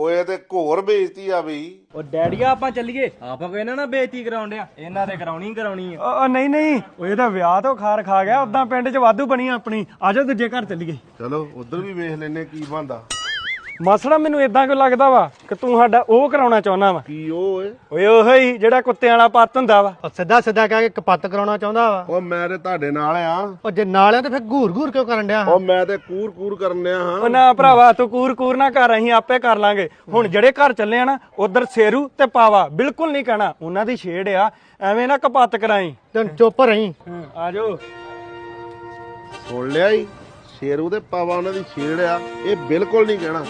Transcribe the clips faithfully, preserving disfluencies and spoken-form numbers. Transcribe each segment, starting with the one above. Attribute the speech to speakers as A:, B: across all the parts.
A: ਓਏ ਤੇ ਘੋਰ ਬੇਇੱਜ਼ਤੀ ਆ ਬਈ।
B: ਉਹ ਡੈਡੀਆ ਆਪਾਂ ਚੱਲੀਏ, ਆਪਾਂ ਕੋਈ ਇਹਨਾਂ ਨਾਲ ਬੇਇੱਜ਼ਤੀ ਕਰਾਉਣ ਡਿਆ, ਇਹਨਾਂ ਤੇ ਕਰਾਉਣੀ ਕਰਾਉਣੀ ਆ।
C: ਉਹ ਨਹੀਂ ਨਹੀਂ, ਉਹ ਇਹਦਾ ਵਿਆਹ ਤੋਂ ਖਾਰ ਖਾ ਗਿਆ, ਉਦਾਂ ਪਿੰਡ 'ਚ ਵਾਧੂ ਬਣੀ ਆਪਣੀ। ਆਜੋ ਦੂਜੇ ਘਰ ਚੱਲੀਏ।
A: ਚਲੋ ਉਧਰ ਵੀ ਵੇਖ ਲੈਨੇ ਕੀ ਬਣਦਾ।
C: ਮਾਸੜਾ ਮੈਨੂੰ ਇਦਾਂ ਕਿਉਂ ਲੱਗਦਾ ਵਾ ਕਿ ਤੂੰ ਸਾਡਾ ਉਹ ਕਰਾਉਣਾ ਚਾਹੁੰਦਾ ਵਾ।
A: ਕੀ ਉਹ ਓਏ?
C: ਓਏ ਉਹੋ ਹੀ ਜਿਹੜਾ ਕੁੱਤਿਆਂ ਵਾਲਾ ਪੱਤ ਹੁੰਦਾ ਵਾ।
D: ਉਹ ਸਿੱਧਾ ਸਿੱਧਾ ਕਹਿ ਕੇ ਕਪੱਤ ਕਰਾਉਣਾ ਚਾਹੁੰਦਾ ਵਾ।
A: ਉਹ ਮੈਂ ਤੇ ਤੁਹਾਡੇ ਨਾਲ ਆ।
D: ਉਹ ਜੇ ਨਾਲ ਆ ਤੇ ਫਿਰ ਘੂਰ ਘੂਰ ਕਿਉਂ ਕਰਨ ਡਿਆ?
A: ਉਹ ਮੈਂ ਤੇ ਕੂਰ ਕੂਰ ਕਰਨ ਡਿਆ ਹਾਂ।
C: ਉਹ ਨਾ ਭਰਾਵਾ, ਤੂੰ ਕੂਰ ਕੂਰ ਨਾ ਕਰ, ਅਸੀਂ ਆਪੇ ਕਰ ਲਾਂਗੇ। ਹੁਣ ਜਿਹੜੇ ਘਰ ਚੱਲੇ ਆ ਨਾ, ਉਧਰ ਸੇਰੂ ਤੇ ਪਾਵਾ ਬਿਲਕੁਲ ਨਹੀਂ ਕਹਿਣਾ, ਉਹਨਾਂ ਦੀ ਛੇੜ ਆ, ਐਵੇਂ ਨਾ ਕਪੱਤ ਕਰਾਈ।
D: ਤੈਨੂੰ ਚੁੱਪ ਰਹੀਂ।
C: ਆਜੋ।
A: ਸੁਣ ਲਿਆ ਈ, ਸ਼ੇਰੂ ਤੇ ਪਾਵਾ ਉਹਨਾਂ ਦੀ ਛੇੜ ਆ, ਇਹ ਬਿਲਕੁਲ ਨਹੀਂ ਕਹਿਣਾ।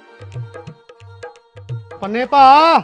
D: ਪੰਨੇ ਭਾ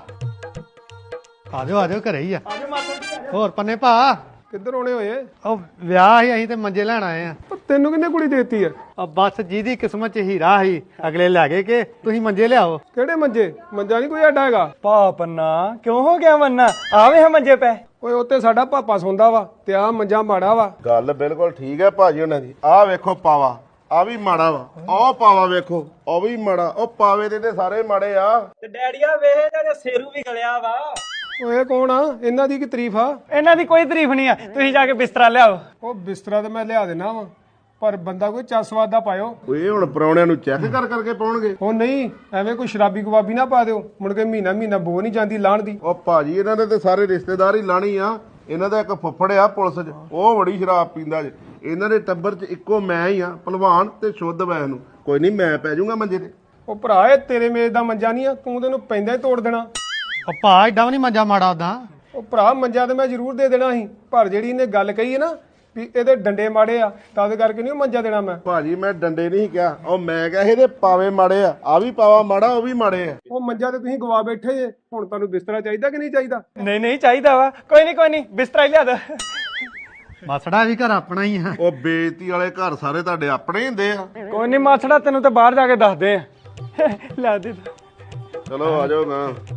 D: ਆਜੋ ਆਜੋ ਘਰੇ ਹੀ ਆ। ਹੋਰ ਪੰਨੇ ਭਾ
E: ਕਿੱਧਰ ਆਉਣੇ ਹੋਏ?
D: ਉਹ ਵਿਆਹ ਸੀ, ਅਸੀਂ ਤੇ ਮੰਜੇ ਲੈਣ ਆਏ ਆ।
E: ਤੈਨੂੰ ਕਿੰਨੇ ਕੁੜੀ ਦੇਤੀ ਆ?
D: ਉਹ ਬਸ ਜਿਹਦੀ ਕਿਸਮਤ 'ਚ ਹੀਰਾ ਸੀ ਅਗਲੇ ਲੈ ਗਏ ਕਿ ਤੁਸੀਂ ਮੰਜੇ ਲਿਆਓ।
E: ਕਿਹੜੇ ਮੰਜੇ? ਮੰਜਾ ਨਹੀਂ ਕੋਈ ਆਡਾ ਹੈਗਾ।
C: ਪਾ ਪੰਨਾ ਕਿਉਂ ਹੋ ਗਿਆ ਮੰਨਾ? ਆਵੇ ਹਾਂ ਮੰਜੇ ਪੈ।
E: ਓਏ ਉੱਤੇ ਸਾਡਾ ਪਾਪਾ ਸੌਂਦਾ ਵਾ ਤੇ ਆ ਮੰਜਾ ਮਾੜਾ ਵਾ।
A: ਗੱਲ ਬਿਲਕੁਲ ਠੀਕ ਹੈ ਭਾਜੀ ਉਹਨਾਂ ਦੀ। ਆਹ ਵੇਖੋ ਪਾਵਾ, ਆ ਵੀ ਮਾੜਾ ਵਾ। ਆਹ ਪਾਵਾ ਵੇਖੋ, ਉਹ ਵੀ ਮਾੜਾ। ਉਹ ਪਾਵੇ ਦੇ ਤੇ ਸਾਰੇ ਮਾੜੇ ਆ।
B: ਤੇ ਡੈਡੀਆ ਵੇਖ ਜਿਹੜੇ ਸੇਰੂ ਵੀ ਗਲਿਆ ਵਾ।
E: ਓਏ ਕੌਣ ਆ? ਇਹਨਾਂ ਦੀ ਕੀ ਤਾਰੀਫ ਆ?
C: ਇਹਨਾਂ ਦੀ ਕੋਈ ਤਾਰੀਫ ਨਹੀਂ ਆ, ਤੁਸੀਂ ਜਾ ਕੇ ਬਿਸਤਰਾ ਲਿਆਓ।
E: ਉਹ ਬਿਸਤਰਾ ਤੇ ਮੈਂ ਲਿਆ ਦੇਣਾ ਵਾ, ਪਰ ਬੰਦਾ ਕੋਈ ਚਸਵਾਦ ਦਾ ਪਾਇਓ।
A: ਓਏ ਹੁਣ ਪਰੌਣਿਆਂ ਨੂੰ ਚੈੱਕ ਕਰ ਕਰਕੇ ਪਾਉਣਗੇ।
E: ਉਹ ਨਹੀਂ, ਐਵੇਂ ਕੋਈ ਸ਼ਰਾਬੀ ਕਬਾਬੀ ਨਾ ਪਾ ਦਿਓ, ਮੁੜ ਕੇ ਮਹੀਨਾ ਮਹੀਨਾ ਬੋ ਨਹੀਂ ਜਾਂਦੀ ਲਾਣ ਦੀ।
A: ਉਹ ਭਾਜੀ ਇਹਨਾਂ ਦੇ ਤੇ ਸਾਰੇ ਰਿਸ਼ਤੇਦਾਰ ਹੀ ਲਾਣੀ ਆ। ਇਹਨਾਂ ਦਾ ਇੱਕ ਫੁੱਫੜ ਆ ਪੁਲਿਸ 'ਚ, ਉਹ ਬੜੀ ਸ਼ਰਾਬ ਪੀਂਦਾ ਜੇ। ਇਹਨਾਂ ਦੇ ਟੱਬਰ 'ਚ ਇੱਕੋ ਮੈਂ ਹੀ ਆ, ਭਲਵਾਨ ਤੇ ਸ਼ੁੱਧ ਵੈਸ ਨੂੰ। ਕੋਈ ਨਹੀਂ, ਮੈਂ ਪੈ ਜਾਊਂਗਾ ਮੰਜੇ ਤੇ।
E: ਉਹ ਭਰਾ, ਇਹ ਤੇਰੇ ਮੇਜ਼ ਦਾ ਮੰਜਾ ਨਹੀਂ ਆ, ਤੂੰ ਤੈਨੂੰ ਪੈਂਦਾ ਹੀ ਤੋੜ ਦੇਣਾ।
D: ਉਹ ਭਾ ਏਡਾ ਵੀ ਨਹੀਂ ਮੰਜਾ ਮਾੜਾ ਉਦਾਂ।
E: ਉਹ ਭਰਾ, ਮੰਜਾ ਤੇ ਮੈਂ ਜ਼ਰੂਰ ਦੇ ਦੇਣਾ ਸੀ, ਪਰ ਜਿਹੜੀ ਇਹਨੇ ਗੱਲ ਕਹੀ ਹੈ ਨਾ ਵੀ ਇਹਦੇ ਡੰਡੇ ਮਾੜੇ ਆ, ਤਦ ਕਰਕੇ ਨਹੀਂ ਮੰਜਾ ਦੇਣਾ ਮੈਂ।
A: ਭਾਜੀ ਮੈਂ ਡੰਡੇ ਨਹੀਂ ਕਿਹਾ, ਉਹ ਮੈਂ ਕਿਹਾ ਇਹਦੇ ਪਾਵੇ ਮਾੜੇ ਆ। ਆ ਵੀ ਪਾਵਾ ਮਾੜਾ, ਉਹ ਵੀ ਮਾੜੇ ਆ।
E: ਉਹ ਮੰਜਾ ਤੇ ਤੁਸੀਂ ਗਵਾ ਬੈਠੇ ਜੇ। ਹੁਣ ਤੁਹਾਨੂੰ ਬਿਸਤਰਾ ਚਾਹੀਦਾ ਕਿ ਨਹੀਂ ਚਾਹੀਦਾ?
C: ਨਹੀਂ ਨਹੀਂ ਚਾਹੀਦਾ ਵਾ। ਕੋਈ ਨਹੀਂ ਕੋਈ ਨਹੀਂ, ਬਿਸਤਰਾ ਹੀ ਲਿਆ ਦੋ।
D: ਮਸੜਾ ਵੀ ਘਰ ਆਪਣਾ ਹੀ ਆ।
A: ਉਹ ਬੇਇੱਜ਼ਤੀ ਵਾਲੇ ਘਰ ਸਾਰੇ ਤੁਹਾਡੇ ਆਪਣੇ ਹੀ ਹੁੰਦੇ ਆ।
C: ਕੋਈ ਨਹੀਂ ਮਾਸੜਾ, ਤੈਨੂੰ ਤਾਂ ਬਾਹਰ ਜਾ ਕੇ ਦੱਸਦੇ ਆ। ਲੈ ਦੇ।
A: ਚਲੋ ਆ ਜਾਓ ਨਾ।